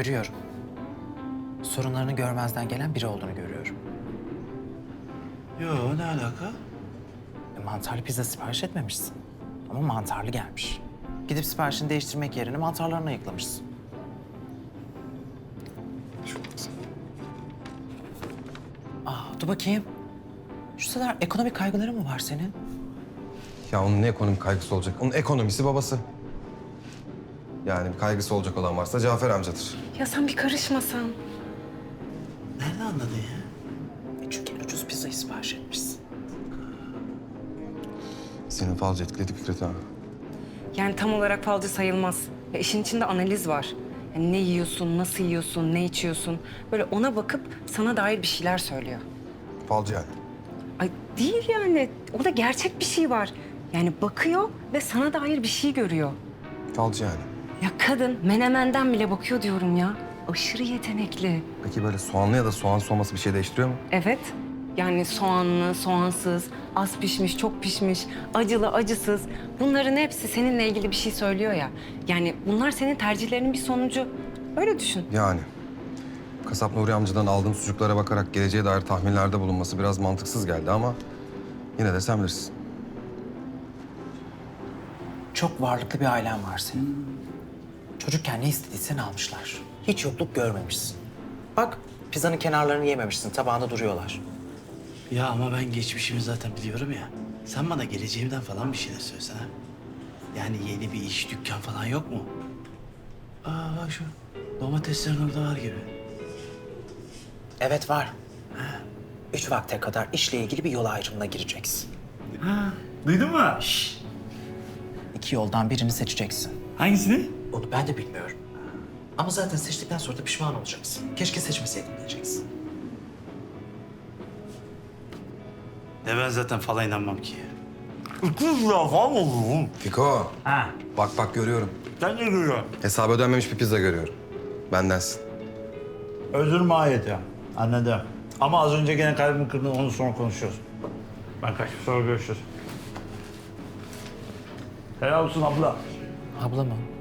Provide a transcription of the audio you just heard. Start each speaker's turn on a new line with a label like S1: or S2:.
S1: Görüyorum. Sorunlarını görmezden gelen biri olduğunu görüyorum.
S2: Yo, ne alaka?
S1: Mantarlı pizza sipariş etmemişsin. Ama mantarlı gelmiş. Gidip siparişini değiştirmek yerine mantarlarını ayıklamışsın. Dur bakayım. Şu sıralar ekonomik kaygıları mı var senin?
S3: Ya onun ne ekonomik kaygısı olacak? Onun ekonomisi babası. Yani kaygısı olacak olan varsa Cafer amcadır.
S4: Ya sen bir karışmasan.
S2: Nereden anladın ya?
S1: Çünkü en ucuz pizzayı sipariş etmişsin.
S3: Senin falcı etkiledi Fikret ha.
S4: Yani tam olarak falcı sayılmaz. Ya işin içinde analiz var. Yani ne yiyorsun, nasıl yiyorsun, ne içiyorsun. Böyle ona bakıp sana dair bir şeyler söylüyor.
S3: Falcı yani.
S4: Ay değil yani. Orada gerçek bir şey var. Yani bakıyor ve sana dair bir şey görüyor.
S3: Falcı yani.
S4: Ya kadın menemenden bile bakıyor diyorum ya. Aşırı yetenekli.
S3: Peki böyle soğanlı ya da soğansız olması bir şey değiştiriyor mu?
S4: Evet. Yani soğanlı, soğansız, az pişmiş, çok pişmiş, acılı, acısız. Bunların hepsi seninle ilgili bir şey söylüyor ya. Yani bunlar senin tercihlerinin bir sonucu. Öyle düşün.
S3: Yani. Kasap Nuri amcadan aldığım sucuklara bakarak geleceğe dair tahminlerde bulunması biraz mantıksız geldi ama... ...yine de sen bilirsin.
S1: Çok varlıklı bir ailen var senin. Çocukken ne istediysen almışlar. Hiç yokluk görmemişsin. Bak, pizzanın kenarlarını yememişsin, tabağında duruyorlar.
S2: Ya ama ben geçmişimi zaten biliyorum ya. Sen bana geleceğimden falan bir şeyler söylesene. Yani yeni bir iş, dükkan falan yok mu? Bak şu domateslerin orada var gibi.
S1: Evet var. 3 vakte kadar işle ilgili bir yol ayrımına gireceksin.
S2: Duydun mu?
S1: 2 yoldan birini seçeceksin.
S2: Hangisini?
S1: Onu ben de bilmiyorum. Ama zaten seçtikten sonra da pişman olacaksın. Keşke seçmeseydim diyeceksin.
S2: Ne ben zaten falan inanmam ki. 200 lira falan olur.
S3: Fiko.
S2: Ha.
S3: Bak görüyorum.
S2: Sen ne görüyorsun?
S3: Hesabı ödenmemiş bir pizza görüyorum. Bendensin.
S2: Özür mahiyeti. Anladım. Ama az önce gene kalbimi kırdın, onu sonra konuşuyoruz. Ben kaçıp sonra görüşürüz. Helal olsun abla.
S1: Abla mı?